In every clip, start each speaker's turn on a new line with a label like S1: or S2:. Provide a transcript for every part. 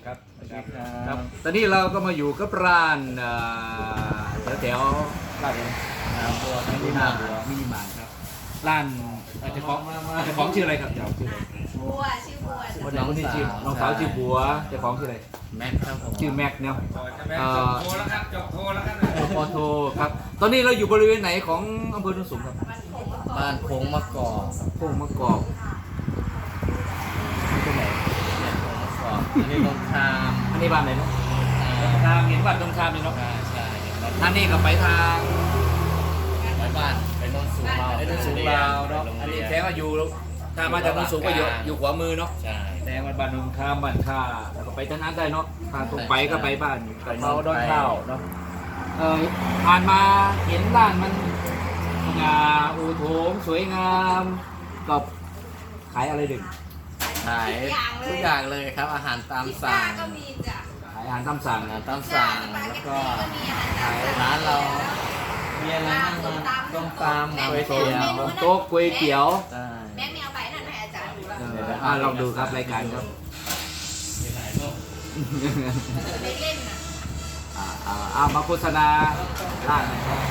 S1: ครับ
S2: ครับตอนนี้เราก็มาอยู่กับร้านแถวร้านอะไรน้ำบัวมินิมาร์ทครับร้านเจ้าของชื่ออะไรครับเจ้าชื่ออะไร
S3: บัวชื่อบัว
S2: คนนี้คนนี้ชื่อน้องสาวชื่อบัวเจ้าของชื่ออะไร
S1: แม็กครับผม
S2: ชื่อแม็กเนาะ
S4: โทรแล้วครับจบโทรแล้วครับ
S2: ปอโทครับตอนนี้เราอยู่บริเวณไหนของอำเภอโนนสูงครับ
S3: มันผม
S1: บ้านโค้งมะกอก
S2: โป่งมะกอกตรงไหน
S1: เนี่ยโค้งมะกอกอันนี้ตรงคาม
S2: อันนี้บ้านไหนเนาะทางเห็นบ้านตรงข้ามเลยเนาะ
S1: ใช่แล้ว
S2: ท่านนี่ก็ไปทาง
S1: ไปบ้านไปโนนสูงเรา
S2: ไอ้โนนสูงลาวเนาะอันนี้แท้ว่าอยู่ถ้ามาจากโนนสูงก็อยู่ขวามือเนาะ
S1: ใช่
S2: แดงบ้านนนข้ามบ้านข้าแล้วก็ไปทางนั้นได้เนาะทางตรงไปก็ไปบ้านเขาดอนข้าวเนาะผ่านมาเห็นร้านมันงาอูโถงสวยงามกับขายอะไรดึง
S1: ขายทุกอย่างเลยครับอาหารตาม
S3: พิซซ่า
S1: สั่ง
S3: ก็มีจ้ะ
S2: ขายอาหารตามสั่ง
S1: อาหารตามสั่งแล้วก็ขายร้านเรามีอะไรบ้างนะต้มตำก๋วยเตี๋ยว
S2: โต๊ะก๋วยเตี๋ยว
S1: ใช่
S3: แม็กแมวไปนั่นให้อาจารย์ดูแล้ว
S2: ลองดูครับรายการครับ
S1: มีหลายโลก
S3: ไม่เล่นน่ะ
S2: มาโฆษณาร้านหน่อยครับ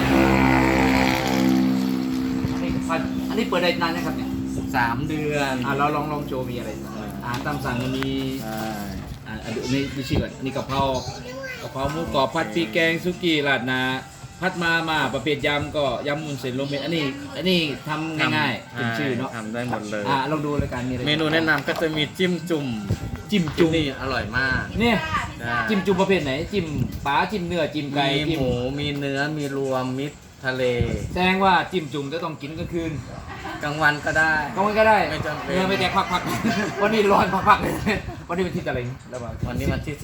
S2: อันนี้เปิดได้นานนะครับเนี่ย
S1: 3 เดือน
S2: เราลองโชว์มีอะไรอาหารตามสั่งมันมี
S1: ใช่
S2: นี่ดูชื่อก่อนนี่กะเพรหมูกรอบผัดพริกแกงซุกี้ราดหนาพัดมาประเภทยำก็ยำมุนเส้นลงเม็ดอันนี้ทำง่ายๆเป็นชื่อเนาะ
S1: ทำได้หมดเลย
S2: ลองดูรายการมีอะไร
S1: เมนูแนะนำก็จะมีจิ้มจุ่ม
S2: จิ้มจุ่ม
S1: นี่อร่อยมาก
S2: เนี่ย
S3: พิซซ่า
S2: จิ้มจุ่มประเภทไหนจิ้มปลาจิ้มเนื้อจิ้มไก่
S1: มี
S2: จิ้ม
S1: หมูมีเนื้อมีรวมมิตรทะเล
S2: แสดงว่าจิ้มจุ่มจะต้องกินกลางคืน
S1: กลางวันก็ได้
S2: กลางวันก็ได้
S1: ไม่จำเป็น
S2: เนื้อไม่แจกพักๆ วันนี้ร้อนพักๆเลยวันนี้เป็นที่อะไรแล้วว่า
S1: วันนี้วันที่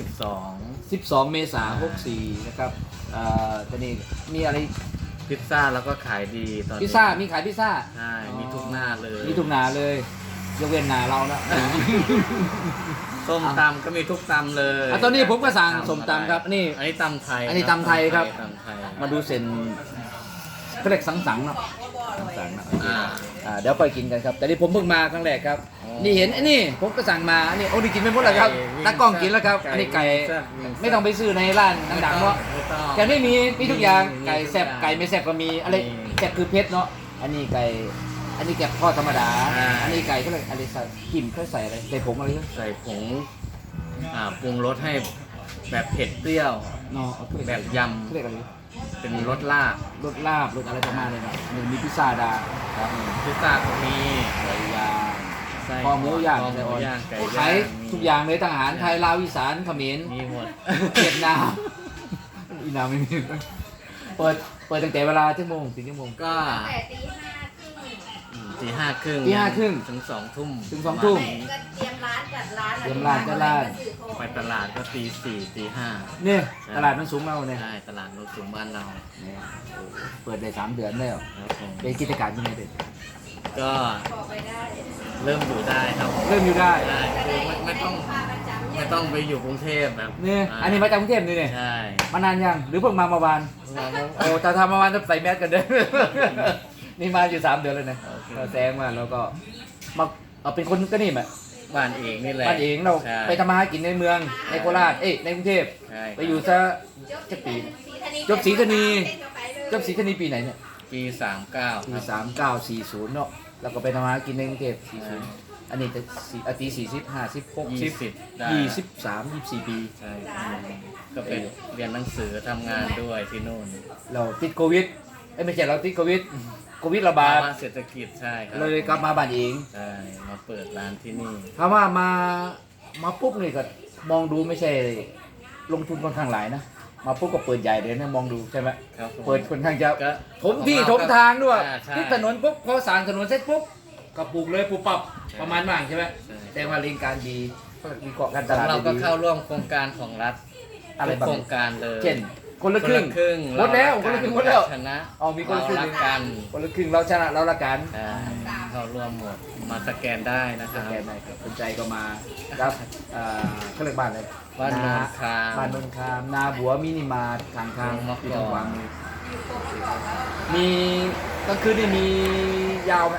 S2: 12 เมษายน 64นะครับตอนนี้มีอะไร
S1: 12 พิซซ่าแล้วก็ขายดีตอนนี้
S2: พิซซ่ามีขายพิซซ่า
S1: ใช่มีทุกหน้าเลย
S2: มีทุกหนาเลยยกเว้นหนาเรานะ
S1: ส้มตำก็มีทุกตำเลย
S2: ตอนนี้ผมก็สั่งส้มตำครับนี่
S1: อันนี้ตำไทย
S2: อันนี้ตำไทยครับ
S1: ตำไทย
S2: มาดูเส้นเขาเรียกสังๆเนาะ
S3: บอกว่าบัวอร่อย
S2: สังๆนะ
S1: อ่า
S2: เดี๋ยวไปกินกันครับ แต่นี่ผมเพิ่งมาครั้งแรกครับ
S1: อ๋อ
S2: นี่เห็นไอ้นี่ผมก็สั่งมาอันนี้โอ้นี่กินไม่หมดแล้วครับ
S1: ไก่วิ่ง
S2: ตากล้องกินแล้วครับ
S1: ไก่
S2: อันนี้ไก่
S1: วิ่งแซ่บวิ่งแซ่บ
S2: ไม่ต้องไปซื้อในร้านดังๆเนาะ
S1: ไม่ต้อง
S2: แต่ไม่มีทุกอย่าง
S1: มี
S2: ไก่แซ่บ
S1: ทุกอย่าง
S2: ไก่ไม่แซ่บก็มีอะไร
S1: มี
S2: แซ่บคือเพชรเนาะอันนี้ไก่อันนี้แกะทอดธรรมดา
S1: อ่า
S2: อันนี้ไก่เขาเรียกอะไรใส่กิมเขาใส่อะไรใส่ผงอะไรเนาะ
S1: ใส่ผงปรุงรสให้แบบเผ็ดเปรี้ยว
S2: เนาะเอาถ้วย
S1: แบบยำ
S2: เขาเรียกอะไร
S1: เป็นรสลาบ
S2: รสลาบรสอะไรประมาณนี้เนาะมีพิซซ่าดาครับ
S1: พิซซ่าก็มี
S2: ไก่ย่าง
S1: ไส้
S2: คอหมูย่าง
S1: คอหมูย่างไก่
S2: ขา
S1: ย่าย ง
S2: ทุกอย่างเลยทหารไทยลาวอีสานเขมร
S1: มีหมด
S2: เวียดนามอีนามไม่มีเปิดตั้งแต่เวลาชั่วโมงถึงชั่วโมง
S1: ก็
S3: แต่ตีห้าครึ่ง
S1: ตีห้าครึ่ง
S2: ตี
S1: ถึง2 ทุ่ม
S2: ถึง2 ทุ่ม
S3: ไม่ก็เตรียมร้านจัดร้าน
S2: เตรียมร้านจัดร้าน
S1: ไปตลาดก็ตี 4 ตี
S2: เนี่ยตลาดมันสูงเราเนี่ย
S1: 5ใช่ตลาดรถสูงบ้านเรา
S2: เนี่ยโอ้เปิดได้3 เดือนแล้ว
S1: ครับผม
S2: เป็นกิจการยังไงเด็ด
S1: ก็
S3: บอกไปได้
S1: เริ่มอยู่ได้ครับ
S2: เริ่มอยู่ได้
S1: ได้คือไม่ต้อง
S3: ค่าประจำ
S1: ไม่ต้องไปอยู่กรุงเทพแบบ
S2: เนี่ยอันนี้มาจากกรุงเทพนี่เนี่ย
S1: ใช่
S2: มานานยังหรือเพิ่งมาเมื่อวานโอ้แต่ทำเมื่อวานต้องใส่แมสกันเด้อ นี่มาอยู่3 เดือนเลยนะ
S1: โอเค
S2: เราแซงมาแล้วก็มาเอาเป็นคนก็นี่แหละ
S1: บ้านเองนี่แหละ
S2: บ้านเองเรา
S1: ใช่
S2: ไปทำมาหากินในเมืองในโคราชในกรุงเทพ
S1: ใช่
S2: ไปอยู่ซะ จะปี จบศรีธานี จบศรีธานีปีไหนเนี่ย
S1: ปี 39
S2: ปี
S1: ครับ
S2: 3940เนาะแล้วก็ไปทำมาหากินในกรุงเทพ40อันนี้จะตี40 50 60
S1: ได้
S2: 23 24 ปี
S1: ใช่ก็ไปเรียนหนังสือทำงานด้วยที่นู่น
S2: เราติดโควิดไม่ใช่เราติดโควิดระบาด
S1: ภาวะเศรษฐกิจใช่ครับ
S2: เลยกลับมาบ้านเอง
S1: ใช่มาเปิดร้านที่นี่
S2: ถ้าว่ามาปุ๊บนี่ก็มองดูไม่ใช่ลงทุนค่อนข้างหลายนะมาปุ๊บก็เปิดใหญ่เลยนะมองดูใช่ไหม
S1: ครับผม
S2: เปิดค่อนข้างจะ
S1: ก็
S2: ถมที่ถมทางด้วย
S1: ใช่
S2: ที่ถนนปุ๊บพอสร้างถนนเสร็จปุ๊บก็ปลูกเลยปลูกปรับ
S1: ใช่
S2: ประมาณว่างใช่ไหม
S1: ใช่
S2: แต่ว่าเรียนการดีมีเกาะการต
S1: ของ
S2: ลาด
S1: เราก็
S2: ดี
S1: เข้าร่วมโครงการของรัฐ
S2: อะไร
S1: ทุก
S2: บ้าง
S1: โครงการเลย
S2: เช่นคนละครึ่ง
S1: คนละครึ่ง
S2: หมดแล้วคนละครึ่งหมดแล้ว
S1: ชนะ
S2: อ๋อมีคนละครึ่ง
S1: เรารักกัน
S2: คนละครึ่งเราชนะเราละกัน
S1: ใช่เข้าร่วมหมดมาสแกนได้นะค
S2: ส
S1: รับ
S2: แกนได้ครับสนใจก็มาครับเขาเรียกบ้านอะไร
S1: บ้านโนนคาม
S2: บ้านนนคามนาบัวมินิมาร์ททางทาง
S1: โรงมะกอก
S2: ที่ทางขวามือมีกลางคืนนี่มียาวไหม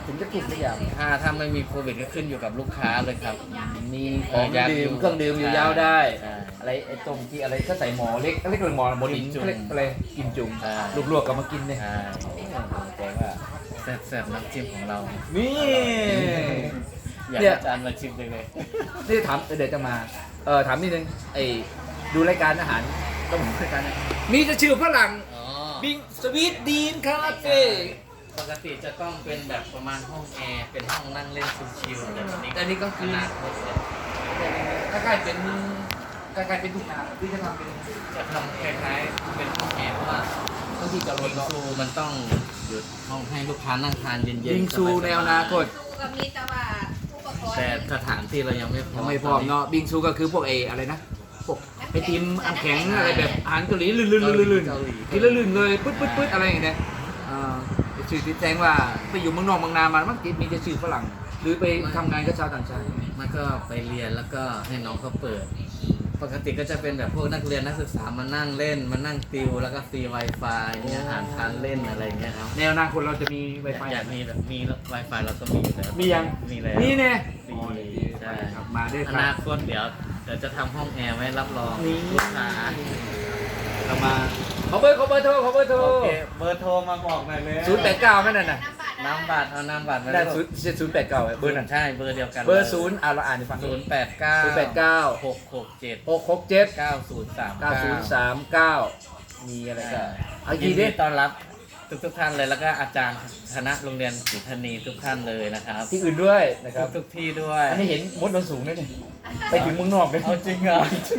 S2: ถึงจะกลุ่มทุกอย่าง
S1: ถ้าไม่มีโควิดก็ขึ้นอยู่กับลูกค้าเลยครับ
S2: มีของดื่มเครื่องดื่มอยู่ยาวได้ อะไรไอ้ตรงที่อะไรก็ใส่หมอเล็กเล็กเลยหมอหมอดินเล็กอะไรกิมจุ่มลวกๆก็มากินเนี่ย
S1: ใช่
S2: แต่ว่า
S1: แซ่บๆน้ำจิ้มของเรา
S2: นี่
S1: อยาก
S2: เนี่ย
S1: ให้อาจารย์มาชิมเลย
S2: นี่ถามเดี๋ยวจะมาถามนิดนึงไอ้ดูรายการอาหารต้องดูรายการนะมีจะชื่อฝรั่ง
S1: อ๋อ
S2: บิงสวีทดีนคาเฟ่
S1: ปกติจะต้องเป็นแบบประมาณห้องแอร์เป็นห้องนั่งเล่นชิลๆอะไรแบบนี้
S2: อันนี้ก็คือ
S1: ขนาดหมดเลย
S2: ใกล้ๆเป็นทุ่งนาที่จะทำเป็น
S1: จะทำคล้ายๆเป็นห้องแอร์เพราะว่า
S2: ต้องที่จะล
S1: บิ
S2: ด
S1: ง
S2: เนาะ
S1: ซูมันต้องหยุดห้องให้ลูกค้านั่งทานเย็นๆ
S2: บิงซู
S1: สบๆ
S2: ในอนาคต
S3: สู้กับมีแต่ว่าผู้ปกครอง
S1: แต่สถานที่เรายังไม่พร้อ
S2: ยั
S1: ม
S2: งไม่พร้อมเนาะบิงซูก็คือพวกอะไรนะพวกไอติมอันแข็งอะไรแบบอาหารเกาหลีลื่นๆกินแล้วลื่นเลยปึ๊ดอะไรอย่างเงี้ยชื่อที่แจ้งว่าไปอยู่เมืองนอกเมืองนามามันมีแต่ชื่อฝรั่ง หรือไปทำงานกับชาวต่างชาติ
S1: มันก็ไปเรียนแล้วก็ให้น้องเขาเปิด ปกติก็จะเป็นแบบพวกนักเรียนนักศึกษามานั่งเล่นมานั่งติวแล้วก็ฟรี Wi-Fi เนี่ยอาหารทานเล่นอะไรเงี้ยครับ
S2: ในอนาคตเราจะมีไวไฟ
S1: อยากมีแบบมี Wi-Fi เราก็มีอยู่แล้ว
S2: มียัง
S1: มีแล้ว
S2: นี่เนี่ย
S1: ใช่
S2: ครับมาด้วย
S1: อ
S2: ครั
S1: นา
S2: บ
S1: คตเดี๋ยวจะทำห้องแอร์ไว้รับรอง
S2: นี่
S1: ลูกค้า
S2: เรามาขอเบอร์โทรโทร
S1: โอเคเบอร์โทรมาบอกหน่อยเลย
S2: 089แม่นั่นน่ะ
S1: น้ำบัตรเอาน้ำบัตรมา
S2: ได้
S1: แล้ว
S2: 089เบอร์นั่น
S1: ใช่เบอร์เดียวกัน
S2: เบอร์0เราอ่านให้ฟัง
S1: 089 667
S2: 667
S1: 9039
S2: มีอะไรก็เอา
S1: ยิ
S2: กี่
S1: น
S2: ดิ
S1: ดีต้อนรับทุกท่านเลยแล้วก็อาจารย์คณะโรงเรียนศรีธานีทุกท่านเลยนะครับ
S2: ที่อื่นด้วยนะครับ
S1: ทุกที่ด้วย
S2: อันนี้เห็นมดโดนสูงด้วยนี่ไปถึงเมืองนอกเลย
S1: เอาจริงเหรอ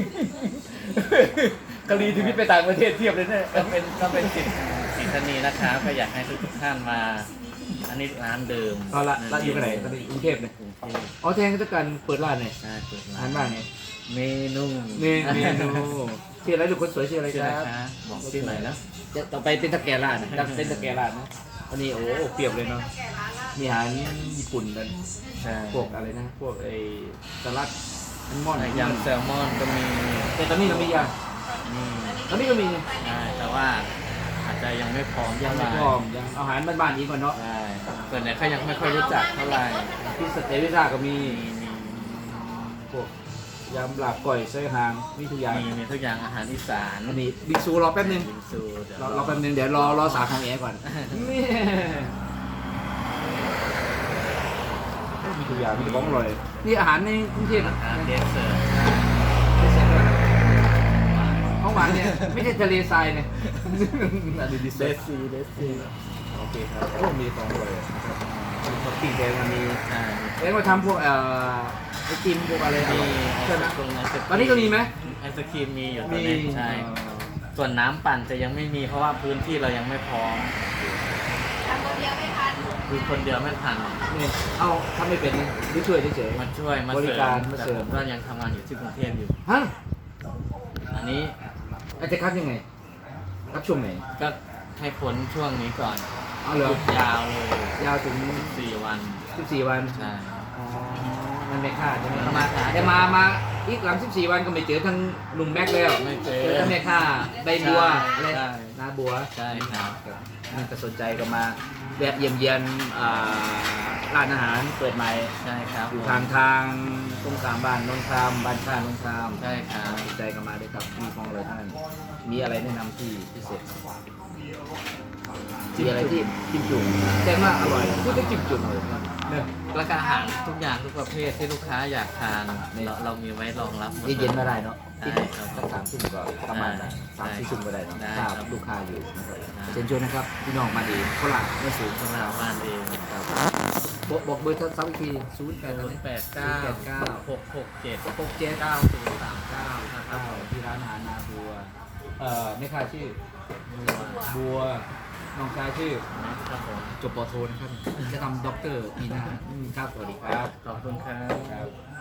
S2: กะลีที่พิไปต่างประเทศเทียบเลยเนี่ย
S1: ก็เป็นศรีธานีนะครับก็อยากให้ทุกท่านมา อันนี้ร้านเดิม
S2: เอาละร้านอยู่ที่ไหนตอนนี้กรุงเทพเนี่ย
S1: กรุงเทพ
S2: อ๋อแทนก็จะการเปิดร้านเนี่ย
S1: ใช่เปิด
S2: อาหารบ้านเนี่ย
S1: เมนู
S2: เมนูชื่ออะไรลูกคนสวยชื่ออะไร
S1: ชื่
S2: ค
S1: อ
S2: รั
S1: อะไร
S2: บ
S1: คะบอกชื่อหน่อยนะ
S2: จะต่อไปเป็นตะแกรงร้านนะเป็นตะแกรงร้านนะอันนี้โอ้เปรียบเลยเนาะ
S3: แก่ร้านละ
S2: มีอาหารญี่ปุ่นกัน
S1: ใช่
S2: พวกอะไรนะพวกไอ้สลัดอันมอน
S1: ยำแซลมอนก็มี
S2: แต่ตอนนี้เรามียัง
S1: นี่
S2: ตอนนี้ก็มี
S1: ใช่แต่ว่าอาจจะยังไม่พร้อม
S2: ยังไม่พร้อมยังอาหารบ้านๆนี้ก่อนเนาะ
S1: ใช่ส่วนใหญ่เขายังไม่ค่อยรู้จักเท่าไหร่
S2: ที่สเตวิซ่าก็มี
S1: มี
S2: พวกยำลาบก่อยไส้หางมีทุกอย่าง
S1: มีทุกอย่างอาหารอีสาน
S2: อันนี้บิ๊กซูรอแป๊บนึง
S1: บิงซูเดี๋ยว
S2: รอแป๊บนึงเดี๋ยวรอสาของแอร์ก่อนนี่มีทุกอย่างมีแต่ของอร่อยนี่อาหารในกรุงเทพ
S1: อาหารเดสเซอร์
S2: ของหวานเนี่ยไม่ใช่ทะเลทรายเนี่ยอันนี้ดิเซ
S1: เด
S2: ส
S1: สซีเดสซี
S2: โอเคครับโอ้มีของอร่อยปกติแดงมันมี
S1: ใช่
S2: แดงมาทำพวกไอติมพวกอะไรอ
S1: มี
S2: ร่อย
S1: ไอ
S2: ใช่
S1: ศ
S2: ไหม
S1: กรีม
S2: ตอนนี้ก็มีไหม
S1: ไอศครีมมีอยู่ตอนนี้ใช่ ส่วนน้ำปั่นจะยังไม่มีเพราะว่าพื้นที่เรายังไม่พร้อม
S3: ทำคนเดียวไม่ทัน
S1: คือคนเดียวไม่ทัน
S2: นี่เอาทำไม่เป็นนี่หรือช่วยเฉย
S1: มาช่วยมา
S2: บริ
S1: เสริ
S2: การ
S1: ม
S2: มา
S1: แต่
S2: เสริ
S1: ผม มก็ยังทำงานอยู่ที่กรุงเทพอยู่
S2: ๆฮะ
S1: อันนี้
S2: อาจจะคัดยังไงคัดช่วงไหน
S1: ก็ให้พ้นช่วงนี้ก่อน
S2: เอาเหร
S1: ห
S2: อ
S1: ยุดยาวเลย
S2: ยาวถึง
S1: 4 วัน
S2: 14 วัน
S1: ใช่
S2: อ๋อมันไม่คาดใช่ไหม
S1: มันไม่คาด
S2: แต่มาอีกหลัง14 วันก็ไม่เจอทั้งหนุ่มแม็กแล้ว
S1: ไม่เจอ
S2: ทั้งแม่ค่าใบบัว
S1: ใช่
S2: อะไร
S1: ใช่
S2: นาบัว
S1: ใช่ครับ
S2: มันก็สนใจก็มาแวะเยี่ยมเยียนร้านอาหารเปิดใหม่
S1: ใช่ครับ
S2: อยู่ทางตรงกลางบ้านนนทรามบ้านข้านนทราม
S1: ใช่ครับ
S2: สนใจก็มาด้วยครับมีของอะไรท่านมีอะไรแนะนำที่พิเศษมีอะไรที่จิ้มจุ่มแต่ว่าอร่อยพูดถึงจิ้มจุ่มเลยเนี่ย
S1: แล้วก็อาหารทุกอย่างทุกประเภทที่ลูกค้าอยากทานเรามีไว้รองรับหมด
S2: เย็นๆมาได้เนาะ
S1: ได้ครับ
S2: สัก3 ทุ่มก็ประมาณนั้น
S1: ได้
S2: 3-4 ทุ่มก็ได้เนาะ
S1: ได้
S2: ถ้า
S1: ครับ
S2: ลูกค้าอยู่นะครับ
S1: ได้
S2: เชิญชวนนะครับพี่น้องมาดีฝรั่งไม่สูง
S1: สำหรับบ้านเอง
S2: ครับบอกเบอร์ซ้ำอีกที0 8
S1: 089 667
S2: 6 7 9 0 3 9นะครับที่ร้านอาหารนาบัวไม่ค่าชื่อบัวน้องชายชื่อ
S1: นะครับผม
S2: จบปอโทนะครับจะทำด็อกเตอร์ปีหน้าครับสวัสดีครับ
S1: ขอบคุณครับ
S2: ครับ